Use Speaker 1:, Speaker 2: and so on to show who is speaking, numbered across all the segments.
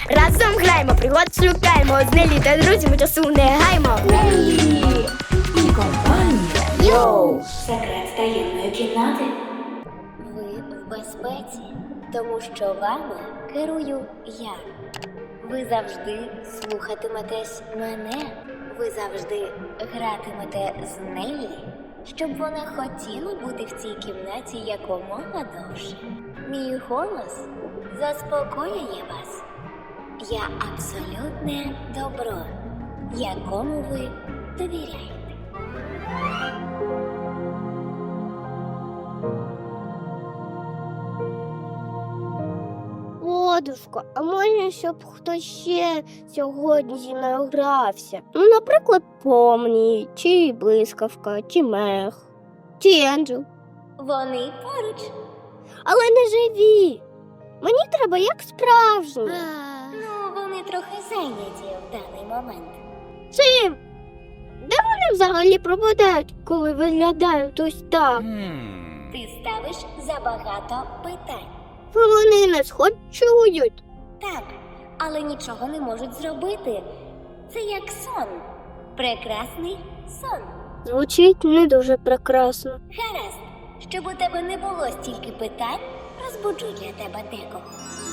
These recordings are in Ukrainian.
Speaker 1: Разом граємо, пригод шукаємо. З Нелі та друзями часу не гаймо.
Speaker 2: Нелі і компанія.
Speaker 1: Йоу!
Speaker 2: Секрет таємної кімнати.
Speaker 3: Ви в безпеці, тому що вами керую я. Ви завжди слухатиметесь мене. Ви завжди гратимете з Неллі, щоб вона хотіла бути в цій кімнаті якомога довше. Мій голос заспокоює вас. Я абсолютне добро, якому ви довіряєте.
Speaker 1: Ладушко, а може, щоб хтось ще сьогодні зі мною грався? Ну, наприклад, Помні, чи Блискавка, чи Мех, чи Енджел.
Speaker 3: Вони поруч.
Speaker 1: Але не живі. Мені треба як справжні.
Speaker 3: Ну, вони трохи зайняті в даний момент.
Speaker 1: Чим? Де вони взагалі пропадають, коли виглядають ось так?
Speaker 3: Ти ставиш забагато питань.
Speaker 1: Вони нас хоч чують.
Speaker 3: Так, але нічого не можуть зробити. Це як сон. Прекрасний сон.
Speaker 1: Звучить не дуже прекрасно.
Speaker 3: Гаразд, щоб у тебе не було стільки питань, розбуджу для тебе декого.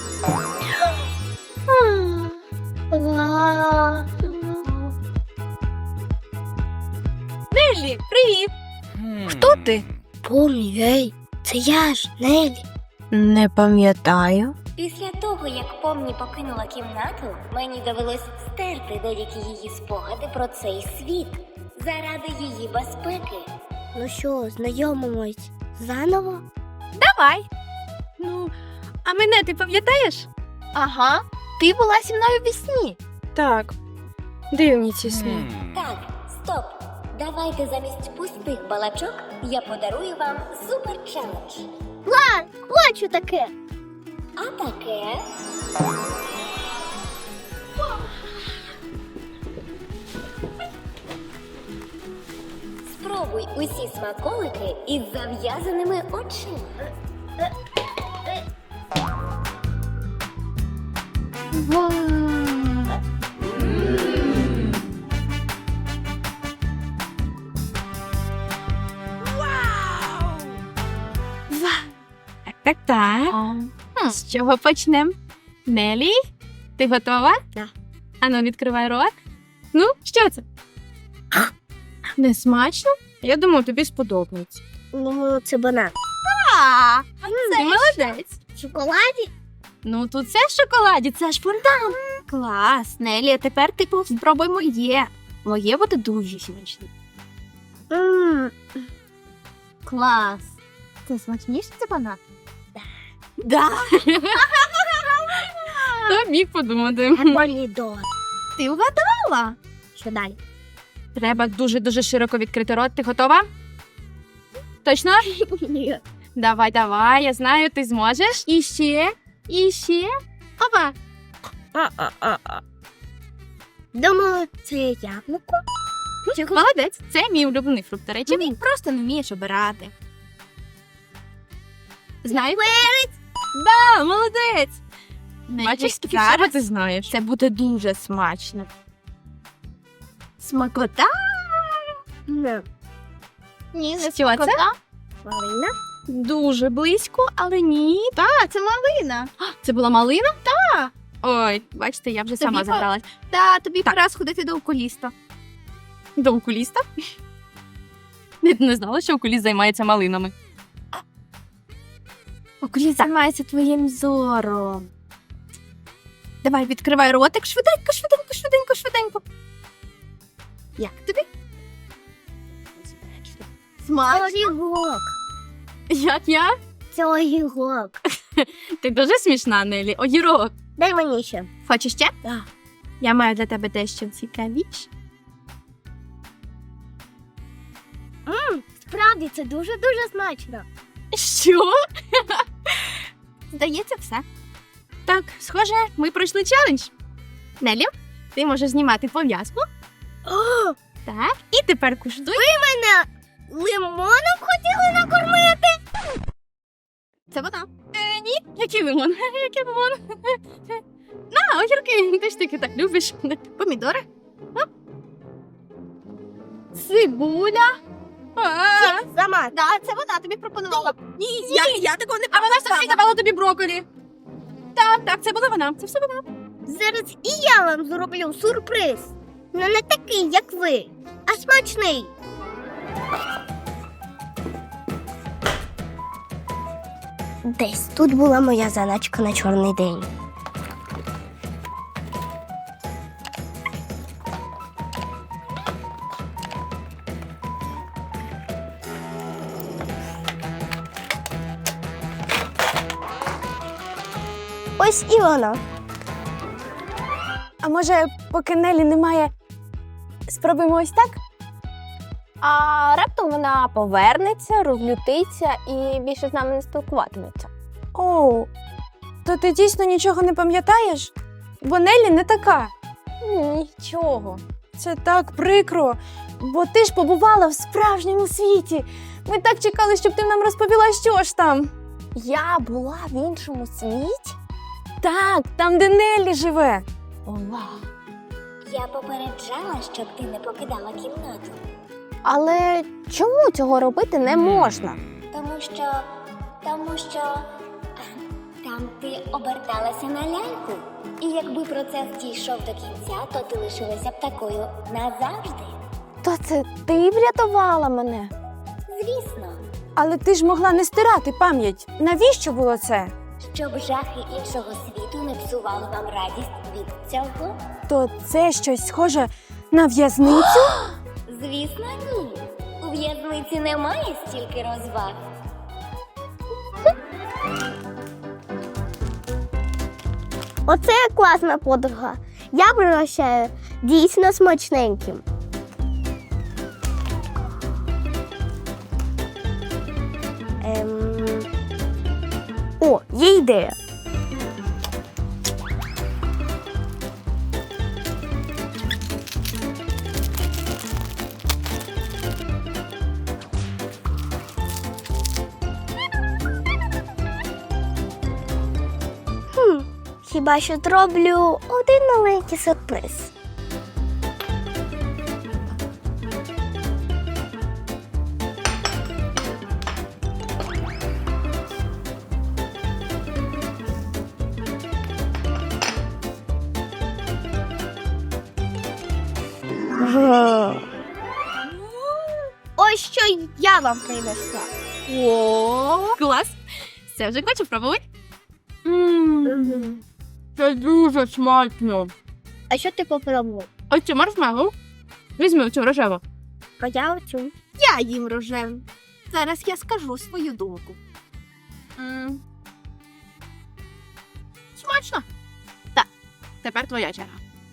Speaker 4: Неллі, привіт! Хто ти?
Speaker 1: Помні, ей, це я ж, Нелі.
Speaker 4: Не пам'ятаю.
Speaker 3: Після того, як Помні покинула кімнату, мені довелось стерти деякі її спогади про цей світ. Заради її безпеки.
Speaker 1: Ну що, знайомимось заново?
Speaker 4: Давай. Ну, а мене ти пам'ятаєш? Ага, ти була зі мною в сні. Так, дивні ці сни.
Speaker 3: Так, стоп. Давайте замість пустих балачок я подарую вам супер челендж.
Speaker 1: Хочу таке.
Speaker 3: А таке... Спробуй усі смаколики із зав'язаними очима.
Speaker 4: Так. З чого почнемо? Нелі, ти готова?
Speaker 1: Да.
Speaker 4: Ану, відкривай рот. Ну, що це? Не смачно? Я думав, тобі сподобається.
Speaker 1: Ну, це банан.
Speaker 4: Ти молодець.
Speaker 1: В шоколаді?
Speaker 4: Ну, тут це в шоколаді, це ж фонтан. Клас, Нелі, а тепер ти спробуй моє. Моє буде дуже смачне. Клас. Це смачніше, це банан? Да. Хто міг подумати?
Speaker 1: Помідор.
Speaker 4: Ти вгадала.
Speaker 1: Що далі?
Speaker 4: Треба дуже-дуже широко відкрити рот. Ти готова? Точно?
Speaker 1: Ні.
Speaker 4: Давай, я знаю, ти зможеш. І ще. Опа.
Speaker 1: Думаю, це яблуко.
Speaker 4: Молодець, це мій улюблений фрукт. До речі, він просто не вмієш обирати. Знаєш? Да, молодець. Бачиш, зараз ти знаєш. Це буде дуже смачно. Смакота?
Speaker 1: Ні.
Speaker 4: Ні, не що це?
Speaker 1: Малина?
Speaker 4: Дуже близько, але ні. Так, це малина. Це була малина? Так. Ой, бачите, я вже сама забралась. Так, тобі пора сходити до окуліста. До окуліста? Не знала, що окуліст займається малинами. Окуліст займається твоїм зором. Давай, відкривай ротик. Швиденько. Як тобі? Смачно.
Speaker 1: Це огірок.
Speaker 4: Як?
Speaker 1: Це огірок.
Speaker 4: Ти дуже смішна, Нелі. Огірок.
Speaker 1: Дай мені ще.
Speaker 4: Хочеш ще?
Speaker 1: Так.
Speaker 4: Я маю для тебе дещо цікавіше.
Speaker 1: Справді, це дуже-дуже смачно.
Speaker 4: Що? Здається, все. Так, схоже, ми пройшли челендж. Нелі, ти можеш знімати пов'язку.
Speaker 1: О,
Speaker 4: Так, і тепер куштуй.
Speaker 1: мене лимоном хотіли накормити?
Speaker 4: Це вода. Ні, який лимон? Який лимон? На, огірки, ти ж таки так любиш. Помідори. А? Цибуля.
Speaker 1: Сама.
Speaker 4: Да, це вона тобі пропонувала. Ні, я такого не пропонувала. А вона ж таки давала тобі брокколі. Так, це була вона. Це все вона.
Speaker 1: Зараз і я вам зроблю сюрприз. Ну не такий, як ви, а смачний. Десь тут була моя заначка на чорний день. Ось і вона.
Speaker 5: А може, поки Нелі немає, спробуємо ось так? А раптом вона повернеться, розлютиться і більше з нами не спілкуватиметься. О, то ти дійсно нічого не пам'ятаєш? Бо Нелі не така. Нічого. Це так прикро, бо ти ж побувала в справжньому світі. Ми так чекали, щоб ти нам розповіла, що ж там. Я була в іншому світі? Так, там, де Нелі живе. Ова.
Speaker 3: Я попереджала, щоб ти не покидала кімнату.
Speaker 5: Але чому цього робити не можна?
Speaker 3: Тому що там ти оберталася на ляльку. І якби процес дійшов до кінця, то ти лишилася б такою назавжди.
Speaker 5: То це ти врятувала мене?
Speaker 3: Звісно,
Speaker 5: Але ти ж могла не стирати пам'ять. Навіщо було це?
Speaker 3: щоб жахи іншого світу не псували вам радість від цього.
Speaker 5: То це щось схоже на в'язницю?
Speaker 3: Звісно, ні. У в'язниці немає стільки розваг.
Speaker 1: Оце класна подруга. Я пригощаю дійсно смачненьким. О, є ідея. Хіба що зроблю один маленький сюрприз. Ось що я вам принесла.
Speaker 4: О, клас. Це вже хочу пробувати. Це дуже смачно.
Speaker 1: А що ти попробував?
Speaker 4: Ось цю маршмеллоу. Візьми цю рожеву.
Speaker 1: А я оцю.
Speaker 4: Я їм рожеву. Зараз я скажу свою думку. Смачно. Так, тепер твоя черга.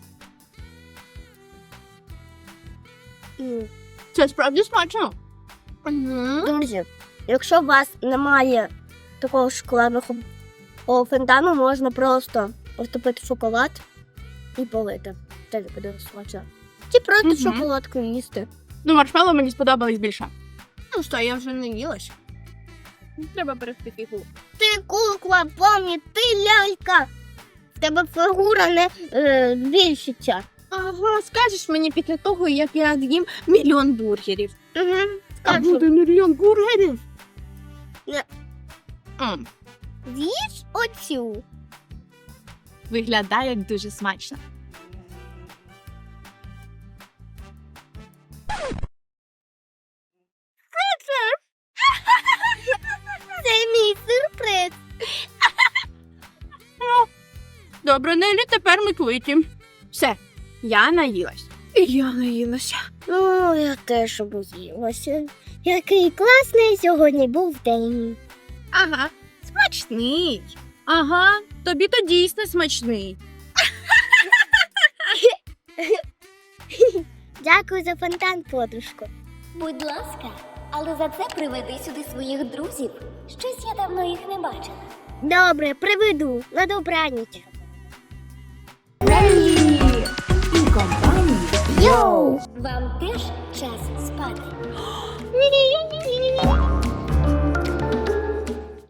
Speaker 4: Це справді смачно.
Speaker 1: Друзі, якщо у вас немає такого шоколадного фонтану, можна просто розтопити шоколад і полити. Це буде смачно. Чи просто шоколадку їсти.
Speaker 4: Ну, маршмеллоу мені сподобались більше. Ну що, я вже не їлась. Треба берегти фігуру.
Speaker 1: Ти кукла, помні, ти лялька. В тебе фігура не збільшиться.
Speaker 4: Ага, скажеш мені після того, як я з'їм мільйон бургерів.
Speaker 1: Угу.
Speaker 4: А буде мільйон бургерів?
Speaker 1: Не. З'їж оцю.
Speaker 4: Виглядає дуже смачно.
Speaker 1: Це мій сюрприз.
Speaker 4: Добре, Нелі, тепер ми квиті. Все, я наїлась. І я наїлася.
Speaker 1: Ну, я теж обоїлася. Який класний сьогодні був день.
Speaker 4: Ага, смачний. Ага, тобі то дійсно смачний.
Speaker 1: Дякую за фонтан, подружко.
Speaker 3: Будь ласка, але за це приведи сюди своїх друзів. Щось я давно їх не бачила.
Speaker 1: Добре, приведу. На добраніч.
Speaker 2: Нелі і компанія.
Speaker 1: Йоу!
Speaker 3: Вам теж час спати.
Speaker 1: Ні-ні-ні-ні-ні.